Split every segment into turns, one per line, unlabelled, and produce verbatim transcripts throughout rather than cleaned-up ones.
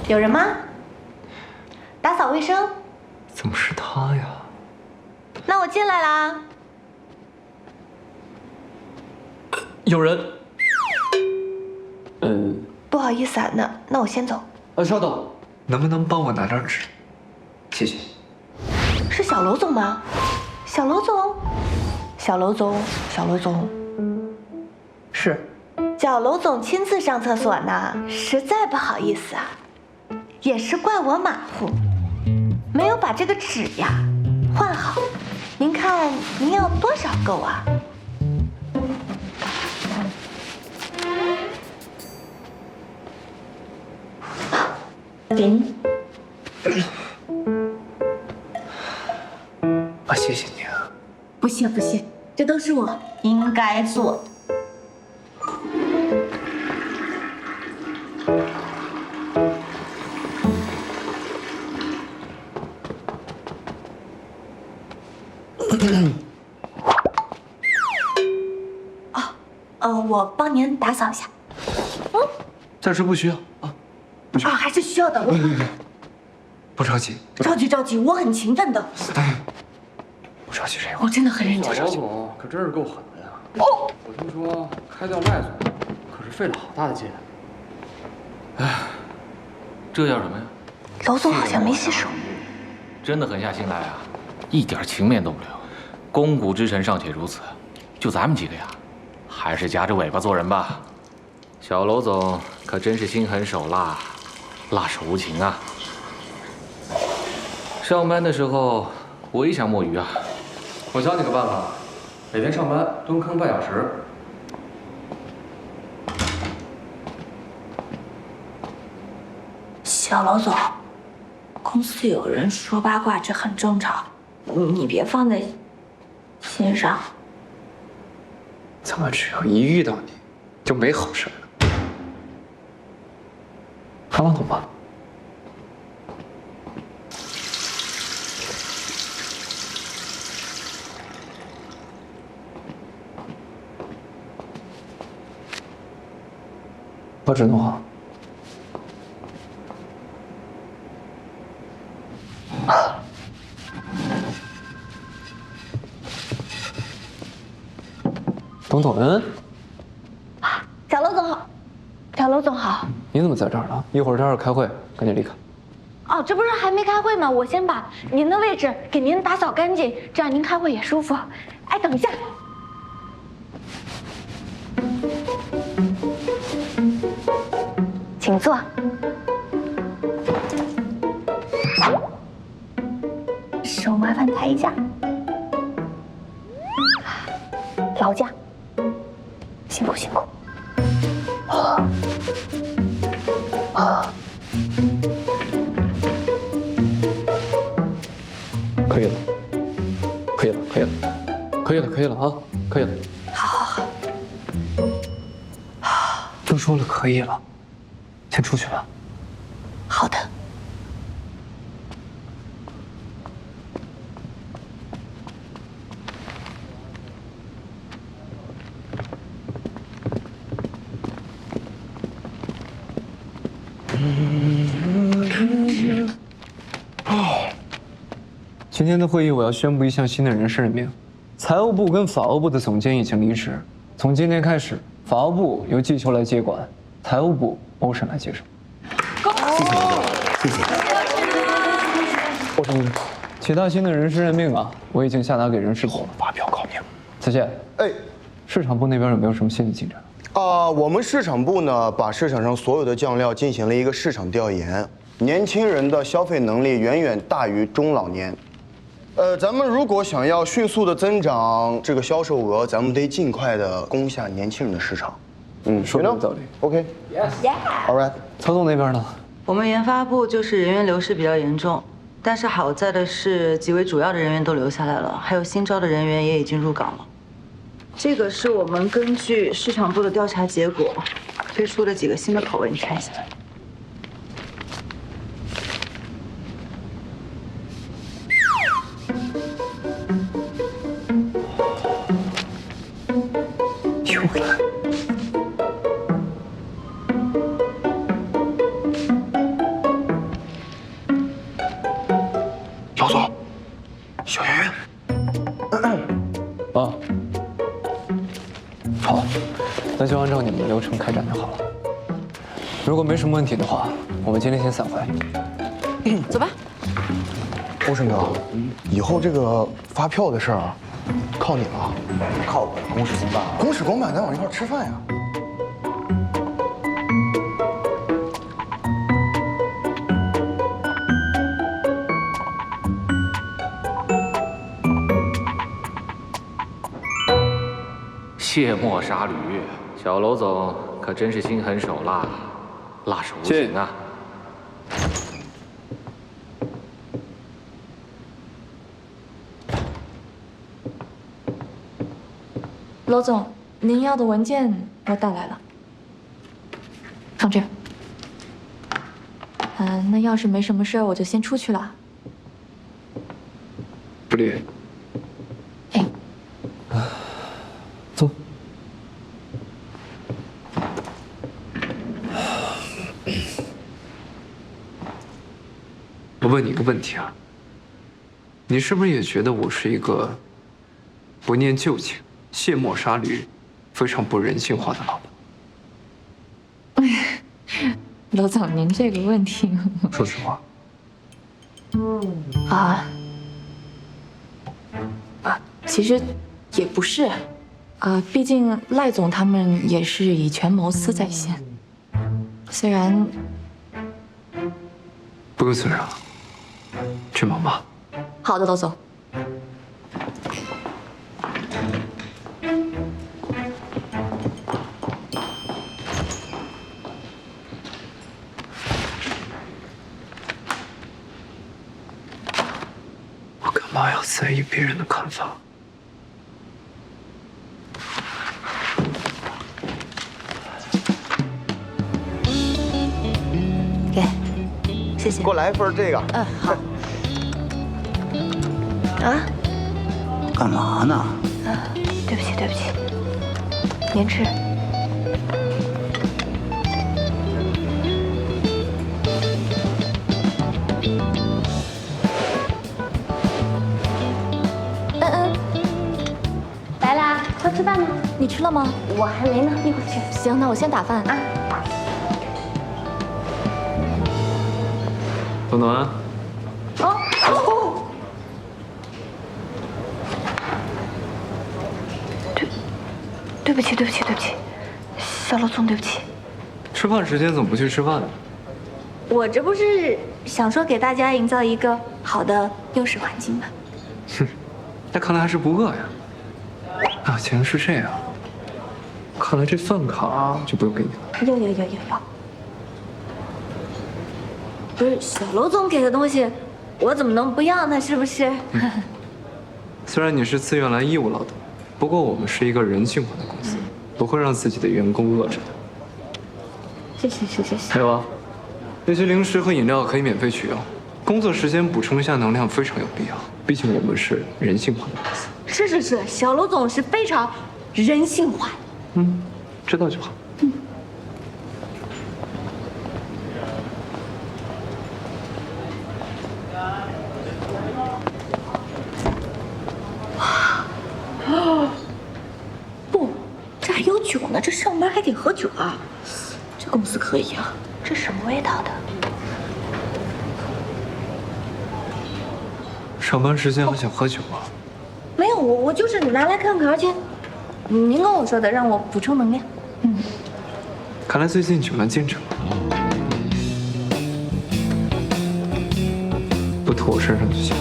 有人吗？打扫卫生。
怎么是他呀？
那我进来啦。
有人。嗯。
不好意思啊，那那我先走。
啊，稍等，能不能帮我拿张纸？谢谢。
是小楼总吗？小楼总，小楼总，小楼总。
是。
小楼总亲自上厕所呢，实在不好意思啊，也是怪我马虎，没有把这个纸呀换好。您看您要多少够啊？给您。
啊，谢谢你啊。
不谢不谢，这都是我应该做的。哦，呃，我帮您打扫一下。
嗯，暂时不需要啊，不需要。
啊，还是需要的。我
不着急，
着急着急，我很勤奋的。
不着急，这
我真的很认真。
老总可真是够狠的呀！哦，我听说开掉赖总，可是费了好大的劲。哎，这叫什么呀？
楼总好像没洗手。
真的狠下心来啊，一点情面都不留。肱骨之臣尚且如此，就咱们几个呀，还是夹着尾巴做人吧。小楼总可真是心狠手辣，辣手无情啊！上班的时候我也想摸鱼啊。
我教你个办法，每天上班蹲坑半小时。
小楼总，公司有人说八卦，这很正常，你别放在心上。
怎么只要一遇到你，就没好事了？还往懂吧？把纸弄好。董总恩，
小楼总好，小楼总好。
你怎么在这儿呢？一会儿这儿开会，赶紧离开。
哦，这不是还没开会吗？我先把您的位置给您打扫干净，这样您开会也舒服。哎，等一下。请坐。手麻烦抬一下，劳驾，辛苦辛苦。啊啊，
可以了，可以了，可以了，可以了，可以了啊，可以了。
好好
好。都说了可以了。先出去吧。
好的。
今天的会议我要宣布一项新的人事任命，财务部跟法务部的总监已经离职，从今天开始，法务部由季秋来接管，财务部欧审来接手。
恭喜！谢谢。
欧审，其他新的人事任命啊，我已经下达给人事部了，
发表告命。
子健，
哎，
市场部那边有没有什么新的进展？
啊、呃，我们市场部呢，把市场上所有的酱料进行了一个市场调研，年轻人的消费能力远远大于中老年。呃，咱们如果想要迅速的增长这个销售额，咱们得尽快的攻下年轻人的市场。
嗯，说的有道理。
OK。Yes。All right。
曹总那边呢？
我们研发部就是人员流失比较严重，但是好在的是几位主要的人员都留下来了，还有新招的人员也已经入岗了。这个是我们根据市场部的调查结果推出的几个新的口味，你看一下。
又来。 小圆圆。啊，好，那就按照你们的流程开展就好了。如果没什么问题的话，我们今天先散会。
走吧。
欧胜哥，以后这个发票的事儿靠你了。
靠我，公事公办。
公事公办，咱往一块儿吃饭呀。
卸磨杀驴，小楼总可真是心狠手辣，辣手无情啊！
楼总，您要的文件我带来了，放这儿。嗯，那要是没什么事儿，我就先出去了。
不离。
哎，
走。我问你一个问题啊，你是不是也觉得我是一个不念旧情、卸磨杀驴、非常不人性化的老板？
楼总，您这个问题，
说实话。
啊啊，其实也不是，啊，毕竟赖总他们也是以权谋私在先，虽然
不用虽然了，去忙吧。
好的，楼总。
我干嘛要在意别人的看法？
给，谢谢
给。我来一份这个。
嗯，好。啊
干嘛呢？
啊，对不起，对不起，您吃。
嗯嗯，来啦，快吃饭呢。
你吃了吗？
我还没呢，一会儿去。
行，那我先打饭啊。
暖暖。
哦哦。对，对不起，对不起，对不起，小楼总，对不起。
吃饭时间怎么不去吃饭呢？
我这不是想说给大家营造一个好的幼师环境吗？
哼，那看来还是不饿呀。啊，既然是这样，看来这饭卡就不用给你了。
有有有有有。不是小楼总给的东西，我怎么能不要呢？是不是？
虽然你是自愿来义务劳动，不过我们是一个人性化的公司，不会让自己的员工饿着的。
谢谢谢谢谢。
还有啊，那些零食和饮料可以免费取用，工作时间补充一下能量非常有必要。毕竟我们是人性化的公司。
是是是，小楼总是非常人性化的。
嗯，知道就好。
嗯。不，这还有酒呢，这上班还得喝酒啊。这公司可以啊。这什么味道的？
上班时间还想喝酒啊？
没有，我我就是拿来看看，而且您跟我说的，让我补充能量。嗯。
看来最近酒量见长，不吐我身上就行。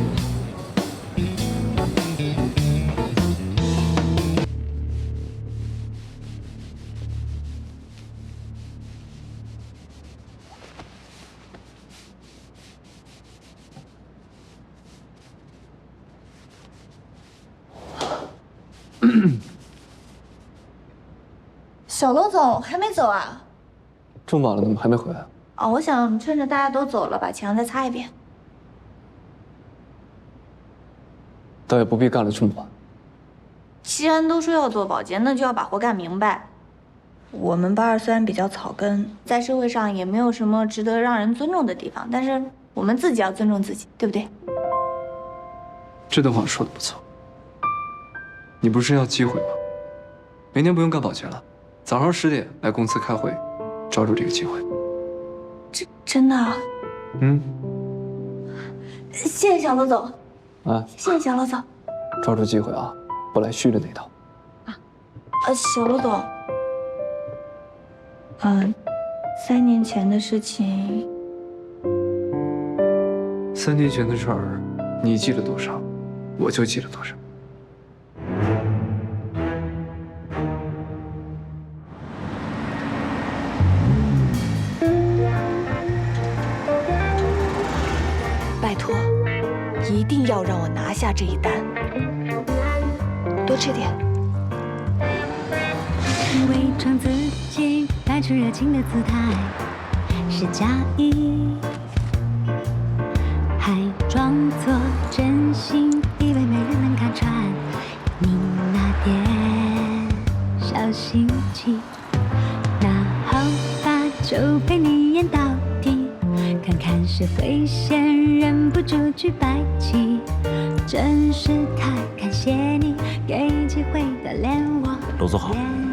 小楼总还没走啊？
这么晚了，怎么还没回来？
哦，我想趁着大家都走了，把墙再擦一遍。
倒也不必干了这么晚。
既然都说要做保洁，那就要把活干明白。我们八二虽然比较草根，在社会上也没有什么值得让人尊重的地方，但是我们自己要尊重自己，对不对？
这段话说的不错。你不是要机会吗？明天不用干保洁了，早上十点来公司开会，抓住这个机会。
真真的啊？
嗯。
谢谢小罗总。
啊，
谢谢小罗总。
抓住机会啊，不来虚的那套。
啊，呃，小罗总。嗯，三年前的事情。
三年前的事儿，你记了多少，我就记了多少。
拜托，一定要让我拿下这一单。多吃点。
伪装自己，摆出热情的姿态，是假意，还装作真心，以为没人能看穿你那点小心机。那好吧，就陪你演到底，看看谁会先忍不住举白旗。真是太感谢你给机会的连我。
罗总好。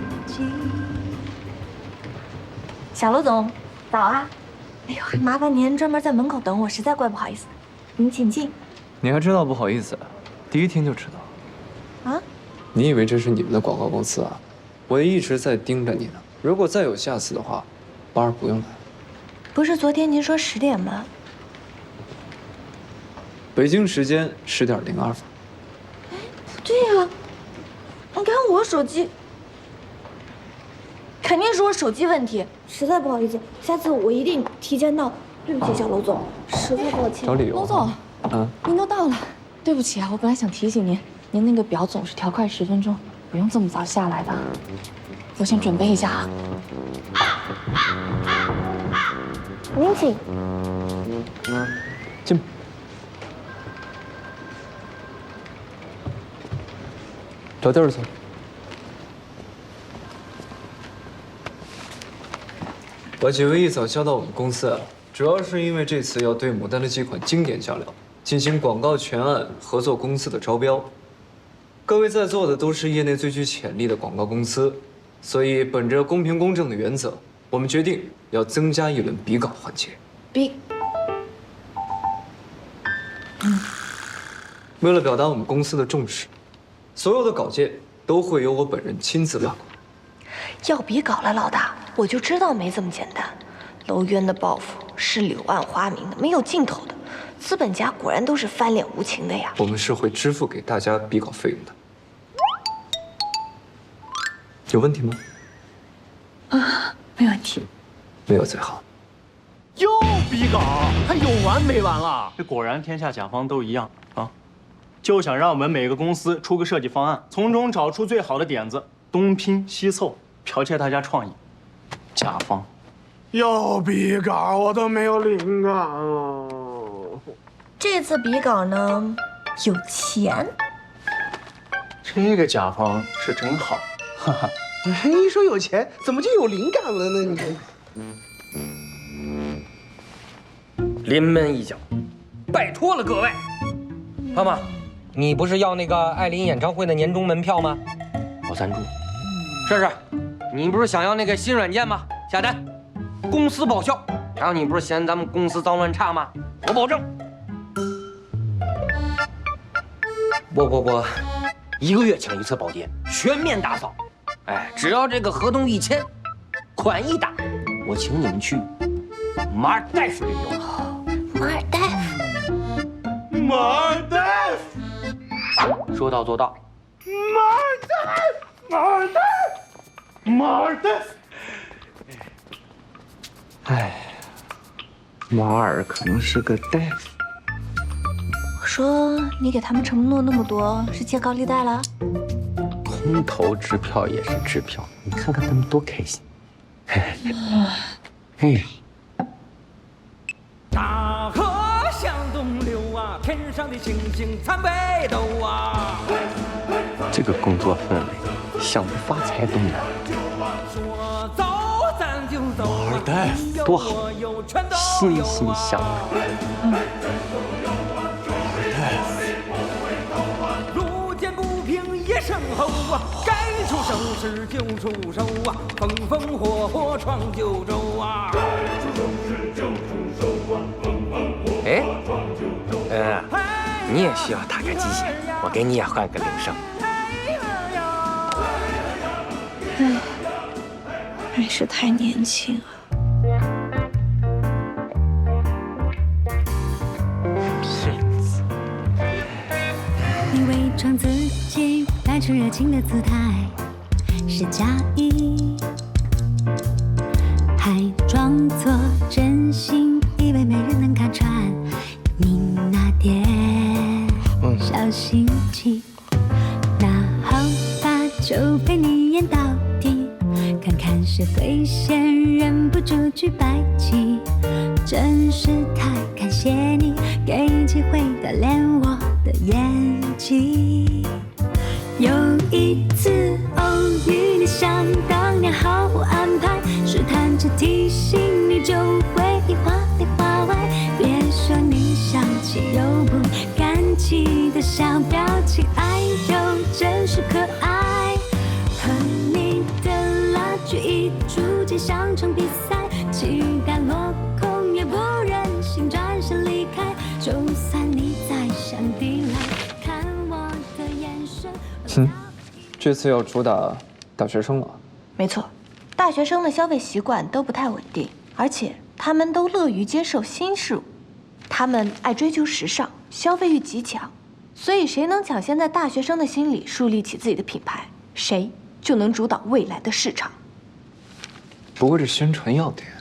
小罗总，早啊！哎呦，麻烦您专门在门口等我，实在怪不好意思。您请进。
你还知道不好意思？第一天就知道。啊？你以为这是你们的广告公司啊？我一直在盯着你呢。如果再有下次的话，八儿不用来。
不是昨天您说十点吗？
北京时间十点零二分。
哎，不对呀！你看我手机，肯定是我手机问题，实在不好意思，下次我一定提前到。对不起，小娄总，实在抱歉。
找理由。
娄总，
嗯，
您都到了，对不起啊，我本来想提醒您，您那个表总是调快十分钟，不用这么早下来的。我先准备一下啊。
您请。
进。找地儿坐。把几位一早叫到我们公司啊，主要是因为这次要对牡丹的几款经典酱料进行广告全案合作公司的招标。各位在座的都是业内最具潜力的广告公司，所以本着公平公正的原则，我们决定要增加一轮比稿环节。
比，
嗯，为了表达我们公司的重视，所有的稿件都会由我本人亲自把关。
要比稿了，老大，我就知道没这么简单。楼渊的报复是柳暗花明的，没有尽头的。资本家果然都是翻脸无情的呀。
我们是会支付给大家比稿费用的。有问题吗？
啊，没问题。
没有最好。
又比稿，还有完没完了？这果然天下甲方都一样啊，就想让我们每个公司出个设计方案，从中找出最好的点子，东拼西凑，剽窃大家创意。甲方
又比稿，我都没有灵感了。
这次比稿呢，有钱。
这个甲方是真好，哈哈。
一说有钱，怎么就有灵感了呢？你
临门一脚，拜托了各位。妈妈，你不是要那个艾琳演唱会的年终门票吗？我赞助。试试，你不是想要那个新软件吗？下单，公司报销。然后你不是嫌咱们公司脏乱差吗？我保证。不不不，一个月抢一次保洁，全面打扫。哎，只要这个合同一签，款一打，我请你们去马尔代夫旅游。
马尔代夫，
马尔代夫，
说到做到。
马尔代夫，马尔代夫。
哎，马尔可能是个大夫。
我说你给他们承诺那么多，是借高利贷了？
空头支票也是支票，你看看他们多开心。嘿。
大河向东流啊，天上的星星参北斗啊。
这个工作氛围，想发财都难。
说走咱就走，
马尔代夫多好，欣欣向荣。
嗯。
马尔代夫。
声吼啊，该出手时就出手啊，风风火火闯九州啊。该出手时就出手啊，风风火火闯九州。
嗯，你也需要打开机械，我给你也换个铃声。
唉，还是太年轻啊。
你伪装自己，摆出热情的姿态，是假意，还装作真心，以为没人能看穿你那点小心机。那好吧，就陪你演到底，看看谁会先忍不住举白旗。真是太感谢你，给机会锻炼我的演技。有一次偶遇你，想当年毫无安排，试探着提醒你，就会话里话外。别说你想起又不敢起的小表情，哎呦，真是可爱。和你的拉锯一逐渐像场比赛，期待落空也不忍心转身离开。就算你在山底来看我的眼神。
嗯，这次要主打大学生了。
没错，大学生的消费习惯都不太稳定，而且他们都乐于接受新事物，他们爱追求时尚，消费欲极强，所以谁能抢先在大学生的心里树立起自己的品牌，谁就能主导未来的市场。
不过这宣传要点，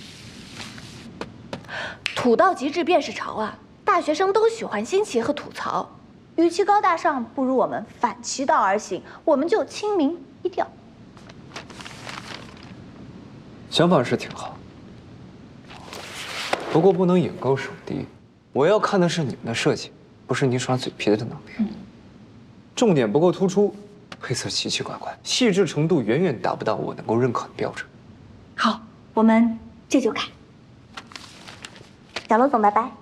土到极致便是潮啊！大学生都喜欢新奇和吐槽，与其高大上，不如我们反其道而行，我们就亲民低调。
想法是挺好，不过不能眼高手低。我要看的是你们的设计，不是你耍嘴皮子的能力。嗯、重点不够突出，配色奇奇怪怪，细致程度远远达不到我能够认可的标准。
好，我们这就改。小罗总，拜拜。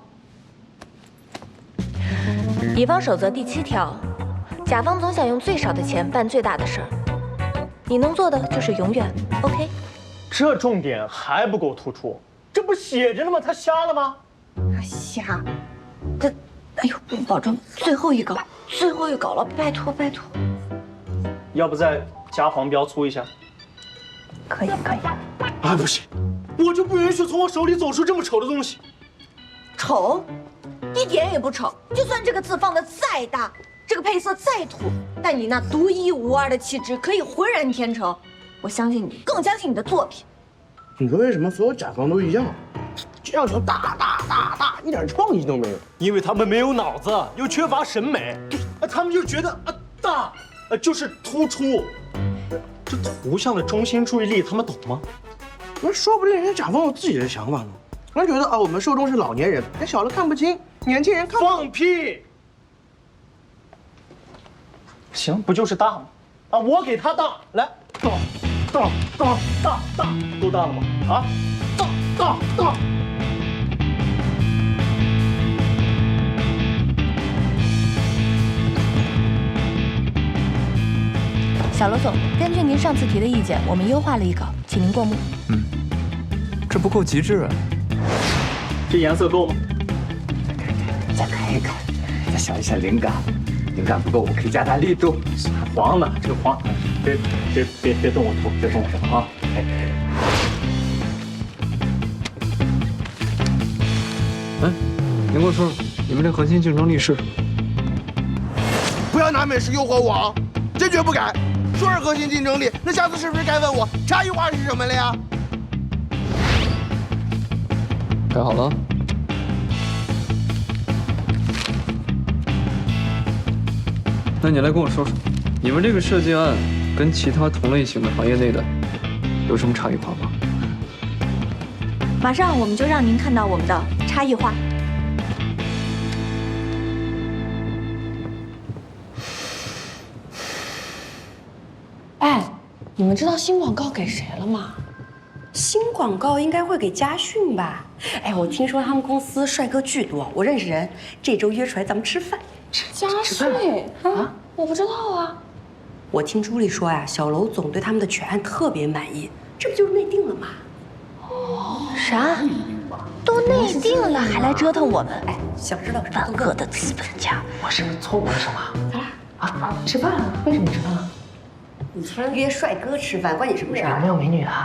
乙方守则第七条，甲方总想用最少的钱办最大的事儿，你能做的就是永远 OK。
这重点还不够突出，这不写着呢吗？他瞎了吗？
瞎，这，哎呦，保证最后一稿，最后一稿了，拜托拜托。
要不再加黄标粗一下？
可以可以。
啊，不行，我就不允许从我手里走出这么丑的东西。
丑？一点也不丑。就算这个字放的再大，这个配色再土，但你那独一无二的气质可以浑然天成。我相信你，更相信你的作品。
你说为什么所有甲方都一样？要求大大大大，一点创意都没有。
因为他们没有脑子，又缺乏审美。对，啊，他们就觉得啊大，呃就是突出。这图像的中心注意力，他们懂吗？
那说不定人家甲方有自己的想法呢。人家觉得啊，我们受众是老年人，那小的看不清，年轻人看不。
放屁！行，不就是大吗？啊，我给他大，来，大，大，大，大，大，够大了吗？啊，大，大，大。
小罗总，根据您上次提的意见，我们优化了一稿，请您过目。
嗯，这不够极致啊。
这颜色够吗？
再改一改，再想一想灵感，灵感不够，我可以加大力度。
还黄呢，这个黄，别别别别动我图，别动我图啊！哎，
哎，您给我说说，你们这核心竞争力是什么？
不要拿美食诱惑我啊！坚决不改。说是核心竞争力，那下次是不是该问我差异化是什么了呀？
改好了。那你来跟我说说，你们这个设计案跟其他同类型的行业内的有什么差异化吗？
马上我们就让您看到我们的差异化。
哎，你们知道新广告给谁了吗？
新广告应该会给嘉讯吧？哎，我听说他们公司帅哥巨多，我认识人，这周约出来咱们吃饭。
嘉讯啊？我不知道啊。
我听朱莉说呀，小楼总对他们的全案特别满意，这不就是内定了吗？
啥？都内定了还来折腾我们？
哎，想知道什么
万恶的资本家！
我是不是错过了什么？
咱俩
啊，吃饭了？为什么吃饭了？
你突然约帅哥吃饭，关你什么事儿？
有没有美女啊？